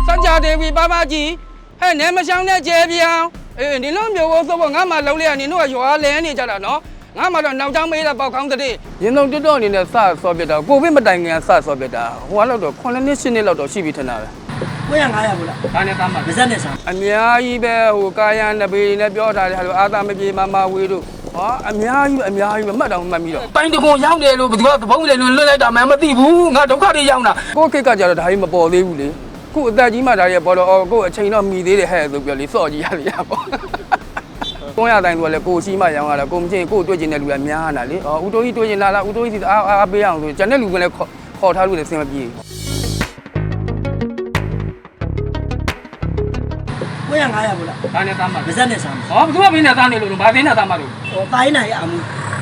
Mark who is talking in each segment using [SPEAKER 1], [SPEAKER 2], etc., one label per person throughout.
[SPEAKER 1] စကြဒေဝီပါပါကြီးဟဲ့နဲမရှောင်းတဲ့ကျဲပြောင်းနင်တို့မျိုးဘိုးဆိုတော့ငါမှလုံးလိုက်ရနင်တို့ကရွာလဲနေကြတာနော်ငါမှတော့နောက်ကျောင်းမေးတာပေါက်ကောင်းတဲ့ရင်သုံးတွတ်တော့အနေနဲ့စဆော့ပြတာကိုဗစ်မတိုင်ခင်ကစဆော့ပြတာဟိုကတော့9နှစ်10နှစ်လောက်တော့ရှိပြီထင်တာပဲ
[SPEAKER 2] 900ဘူးလားဒါနဲ့သားမှာဗဇက်နဲ့ဆာ
[SPEAKER 1] အများကြီးပဲဟိုကာယံနဘေနဲ့ပြောထားတယ်ဟာလို့အာသာမပြေမမဝေးတို့ဟာအများကြီးပဲမှတ်တော့မှတ်ပြီးတော့
[SPEAKER 2] တိုင်းတကွန်ရောက်တယ်လို့ဘယ်သူကသဘုံလေလွတ်လိုက်တာမှမသိဘူးငါဒုက္ခတွေရောက်တာ
[SPEAKER 1] ကိုကိတ်ကကြတော့ဒါကြီးမပေါ်သေးဘူးလေခုအသက်ကြီးမှဒါကြီးပေါ်တော့ကိုအချိန်တော့မီသေးတယ်ဟဲ့ဆိုပြောလေစော့ကြည့်ရလေပေါ့ကိုရတိုင်းဆိုလည်းကိုရှိမှရောင်းရတာကိုမချင်းကိုတွေ့ကျင်တဲ့လူကများတာလေဦးတိုးကြီးတွေ့ကျင်လာလားဦးတိုးကြီးစီအားပေးအောင်ဆိုကျန်တဲ့လူကလည်းခေါ်ထားလို့လည်းဆင်မပြေ
[SPEAKER 2] 900ဘူးလား
[SPEAKER 1] ဒါနဲ့သားမှာ
[SPEAKER 2] ဗဇက်နဲ့ဆာ
[SPEAKER 1] ဟောဘယ်သူကမင်းနဲ့သားနေလို့ဘာသိနေသားမှာလို့
[SPEAKER 2] ဟောတိုင်းနိုင်အမှု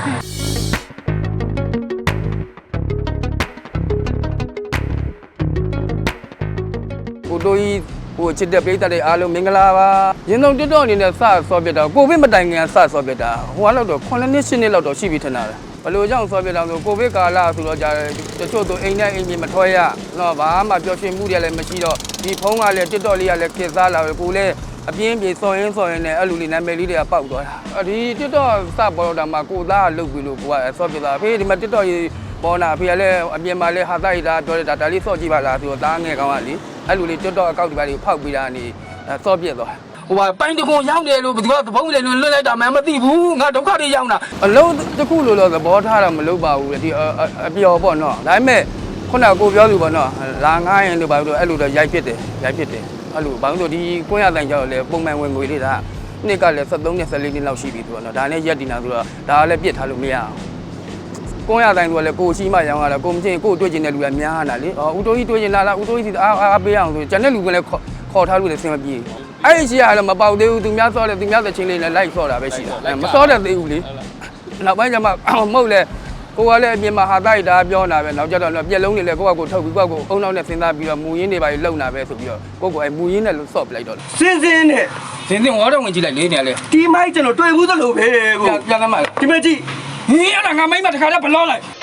[SPEAKER 1] ဦးတိုးကြီးဟိုချစ်တဲ့ပိတ်တဲ့အားလုံးမင်္ဂလာပါရင်သုံးတွတ်တော့အနေနဲ့စဆော့ပြတာကိုဗစ်မတိုင်ခင်ကစဆော့ပြတာဟိုကတော့9နှစ်10နှစ်လောက်တော့ရှိပြီထင်တာပဲဘလို့ကြောင့်ဆော့ပြတာဆိုကိုဗစ်ကာလဆိုတော့ကြာတချို့သူအိမ်နဲ့အိမ်ကြီးမထွက်ရတော့ဘာမှပျော်ရွှင်မှုတွေလည်းမရှိတော့ဒီဖုန်းကလည်းTikTokလေးကလည်းခေတ်စားလာပဲကိုလည်းအပြင်းပြေစော်ရင်းနဲ့အဲ့လူလေးနာမည်လေးတွေကပေါက်သွားတာဒီ TikTok စပေါ်တော့တာမှာကိုသားကလုတ်ပြီးလို့ကိုကဆော့ပြတာဖေးဒီမှာ TikTok ရေးပေါ်လာဖေးကလည်းအပြင်မှာလည်းဟာသားရီတာပြောတယ်ဒါလေးဆော့ကြည့်ပါလားဆိုတော့သားငယ်ကောင်းကလေအဲ့လူလေး TikTok အကောင့်ဒီပါလေးဖောက်ပြီးတာနေဆော့ပြသွား
[SPEAKER 2] ဟိုပိုင်းတကွန်ရောက်တယ်လို့ဘယ်သူကသဘုံလေလွတ်လိုက်တာမှမသိဘူးငါဒုက္ခတွေရောက်တာ
[SPEAKER 1] အလုံးတစ်ခုလို့သဘောထားတာမလုပ်ပါဘူးဒီအပျော်ပေါ့နော်ဒါပေမဲ့ခုနကကိုပြောသူပေါ့နော်လာငားရင်လို့ပါလို့အဲ့လိုတော့ရိုက်ဖြစ်တယ်အဲ့လိုဘာလို့ဆိုဒီ900တန်ကျောက်လည်းပုံမှန်ဝင်ငွေလေးဒါနှစ်ကလည်း73နဲ့14နှစ်လောက်ရှိပြီသူကနော်ဒါနဲ့ရက်တင်တာဆိုတော့ဒါကလည်းပြစ်ထားလို့မရအောင်900တန်ဆိုလည်းကိုရှိမှရောင်းရတာကိုမချင်းကိုတွေ့ကျင်တဲ့လူကများတာလေဦးတိုးကြီးတွေ့ကျင်လာလားဦးတိုးကြီးစီအားပေးအောင်ဆိုကျန်တဲ့လူကလည်းခေါ်ထားလို့လည်းဆင်မပြေအဲ့ဒီရှိရလည်းမပေါက်သေးဘူးသူများစောတယ်သူများသချင်းလေးလည်းလိုက်စောတာပဲရှိတာမစောတတ်သေးဘူးလေနောက်ပိုင်းကျမှမဟုတ်လေကိုကလည်းအပြင်မှာဟာတိုက်တာပြောနေတာပဲနောက်ကျတော့ပြက်လုံးတွေလည်းကိုကထုတ်ပြီးကိုကအုံနောက်နဲ့စဉ်းစားပြီးတော့မူရင်းတွေပါလုံတာပဲဆိုပြီးတော့ကိုကမူရင်းနဲ့လို့စော့ပလိုက်တော့
[SPEAKER 2] စင်းနဲ့
[SPEAKER 1] ဝါတော့ဝင်ကြည့်လိုက်လေးနေရလေ
[SPEAKER 2] ဒီမိုက်ကျွန်တော်တွေ့ဘူးသလိုပဲကို
[SPEAKER 1] ပြန်သမ်းပါ
[SPEAKER 2] ဒီမကြည့်
[SPEAKER 1] ဟင်းအဲ့ဒါငါမိမတခါတော့ဘလော့လိုက်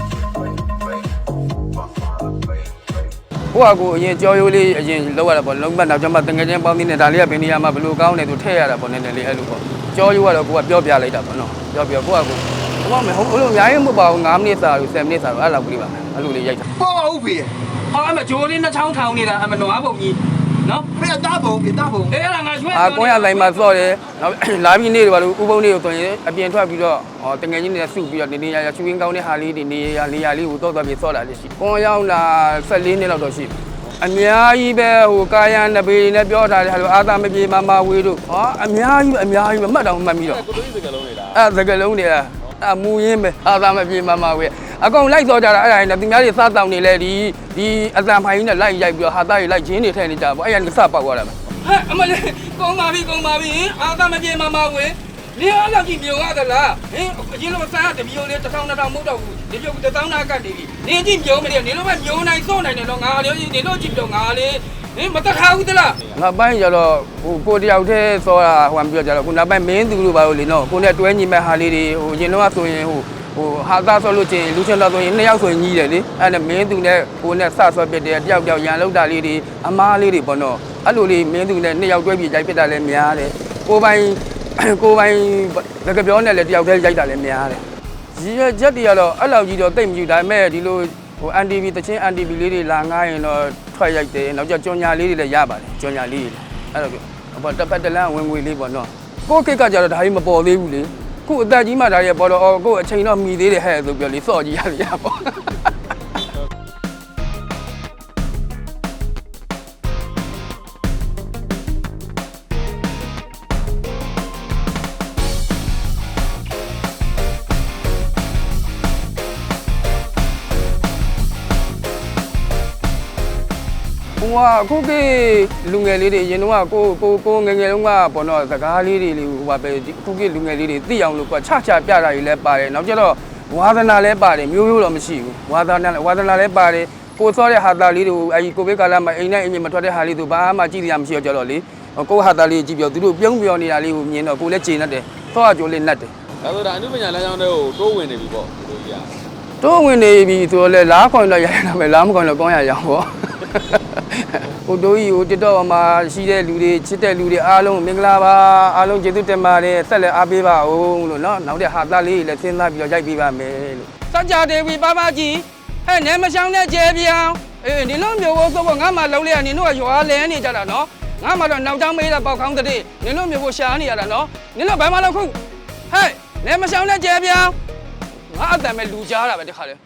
[SPEAKER 1] ကိုအရင်ကြောရိုးလေးအရင်လောက်ရတာပေါ့လုံးမနောက်ကျမှတငယ်ချင်းပေါင်းသင်းနဲ့ဒါလေးကဘယ်နေရာမှာဘလို့ကောင်းတယ်သူထည့်ရတာပေါ့နည်းနည်းလေးအဲ့လိုပေါ့ကြောရိုးကတော့ကိုကပြောပြလိုက်တာပေါ့နော်ပြောကိုကဘာမှမဟုတ်လို့အများကြီးမဟုတ်ပါဘူး9မိနစ်စာလို့10မိနစ်စာလို့အဲ့လောက်ကလေးပါအဲ့လိုလေးရိုက်တာ
[SPEAKER 2] ပေါ့ဟုတ်ပြီ
[SPEAKER 1] ဟာအမဂျိုးလေးနှချောင်းထောင်နေတာအမနွားပုံကြီးနော်
[SPEAKER 2] ဖေးတာဘုံ
[SPEAKER 1] အဲ့ဒါငါရွှဲ900လိုင်းမှာစော့တယ်နောက်လာပြီးနေတယ်ဘာလို့ဥပုံလေးကိုဆိုရင်အပြင်ထွက်ပြီးတော့တငယ်ချင်းတွေစုပြီးတော့နေရချူရင်းကောင်းတဲ့ဟာလေးတွေနေရလေးကိုတော့ပြီးစော့လာလေးရှိကိုရောက်လာ14နှစ်လောက်တော့ရှိပြီအများကြီးပဲဟိုကာယံနဘေနဲ့ပြောထားတယ်ဟာလို့အာသာမပြေမမဝေးတို့ဟာအများကြီးပဲမှတ်တော့မှတ်ပြီးတော့
[SPEAKER 3] ကိုလိုကြီးစကလုံးတွေလား
[SPEAKER 1] စကလုံးတွေလားအမူရင်းပဲအာသာမပြေမမဝေးအကောင်လိုက်စောကြတာအဲ့ဒါနဲ့သူများတွေစားတောင်းနေလဲဒီအတန်ဖိုင်ကြီးနဲ့လိုက်ရိုက်ပြီးတော့ဟာသားတွေလိုက်ချင်းတွေထဲနေကြပေါ့အဲ့ရကစပေါက်သွားတာပဲဟဲ့အမလေးကုန်းပါပြီအာသာမပြေမမဝေးနေအားလောက်ကြည့်မျိုးရသလားဟင်အရင်လိုစားတမျိုးလေး1000 2000မဟုတ်တော့ဘူးဒီပြုတ်1000နာကတ်နေပြီနေကြည့်မျိုးမနေနေလို့ပဲမျိုးနိုင်စော့နိုင်တယ်တော့ငါလေးနေလို့ကြည့်တော့ငါလေးဟင်မတခါဘူးသလားနောက်ပိုင်းကျတော့ဟိုကိုတယောက်တည်းစောတာဟိုပြောကြတော့ခုနောက်ပိုင်းမင်းသူလို့ပါလို့လေနော်ကိုနဲ့တွဲညီမဲ့ဟာလေးတွေဟိုရင်တော့ဆိုရင်ဟိုဟာသားဆော့လို့ချင်းလူချင်းတော့ဆိုရင်2ယောက်ဆိုရင်ညီးတယ်လေအဲ့ဒါမင်းသူနဲ့ကိုနဲ့စဆော့ပြတဲ့တယောက်ရန်လောက်တာလေးတွေအမားလေးတွေပေါ့နော်အဲ့လိုလေးမင်းသူနဲ့2ယောက်တွဲပြီးရိုက်ပြတာလည်းများတယ်ကိုပိုင်လက်ကပြောနဲ့လည်းတယောက်တည်းရိုက်တာလည်းများတယ်ရည်ရွယ်ချက်တွေကတော့အဲ့လောက်ကြီးတော့တိတ်မကြည့်ဒါပေမဲ့ဒီလိုဟို NTV တချင်း NTV လေးတွေလာငားရင်တော့ထွက်ရိုက်တယ်နောက်ကျကြော်ညာလေးတွေလည်းရပါတယ်ကြော်ညာလေးတွေအဲ့တော့ဘောတစ်ပတ်တလန်းဝင်ငွေလေးပေါ့နော်ကိုကိတ်ကကြတော့ဒါကြီးမပေါ်သေးဘူးလေခုအသက်ကြီးမှဒါကြီးပေါ်တော့ကိုအချိန်တော့မီသေးတယ်ဟဲ့ဆိုပြောလေစော့ကြည့်ရပေါ့ ဟိုအခုကလူငယ်လေးတွေအရင်တော့ကိုငယ်လုံးကပေါ့နော်စကားလေးတွေဟိုပါပဲအခုကလူငယ်လေးတွေသိအောင်လို့ကချပြတာတွေလည်းပါတယ်နောက်ကျတော့ဝါသနာလည်းပါတယ်မျိုးတော့မရှိဘူးဝါသနာလည်းပါတယ်ကိုစောတဲ့ဟာသားလေးတွေအဲဒီကိုဗစ်ကာလမှာအိမ်နဲ့အိမ်မထွက်တဲ့ဟာလေးတွေဘာမှကြည့်ရမရှိတော့ကြတော့လေကိုဟာသားလေးကြည့်ပြောသူတို့ပြုံးပြောနေတာလေးကိုမြင်တော့ကိုလည်းကျေနပ်တယ်သောအကျိုးလေးနတ်တယ်
[SPEAKER 3] ဒါဆိုဒါအနုပညာလမ်းကြောင်းတွေကိုတိုးဝင်နေပြီပေါ့ဒီလိုကြီး
[SPEAKER 1] တိုးဝင်နေပြီဆိုတော့လေလားခွန်တော့ရရတာပဲလားမခွန်တော့ကောင်းရအောင်ပေါ့ဟိုတို့ကြီးဟိုတစ်တော့မှာရှိတဲ့လူတွေချစ်တဲ့လူတွေအားလုံးမင်္ဂလာပါအားလုံးကျေးဇူးတင်ပါတယ်ဆက်လက်အားပေးပါဦးလို့နော်နောက်တဲ့ဟာသားလေးလည်းစဉ်းစားပြီးတော့ရိုက်ပေးပါမယ်လို့စကြဒေဝီပါပါကြီးဟဲ့နဲမရှောင်းတဲ့ကျဲပြောင်းအေးဒီလိုမျိုးကိုဆိုငါမှလုံးလေးကနင်တို့ကရွာလဲနေကြတာနော်ငါမှတော့နောက်ကြောင်းမေးတာပေါက်ခေါင်းတဲ့နင်တို့မျိုးကိုရှာနေရတာနော်နင်တို့ဘာမှလောက်ခုဟဲ့နဲမရှောင်းတဲ့ကျဲပြောင်းငါအတန်မဲ့လူကြားတာပဲတခါလေ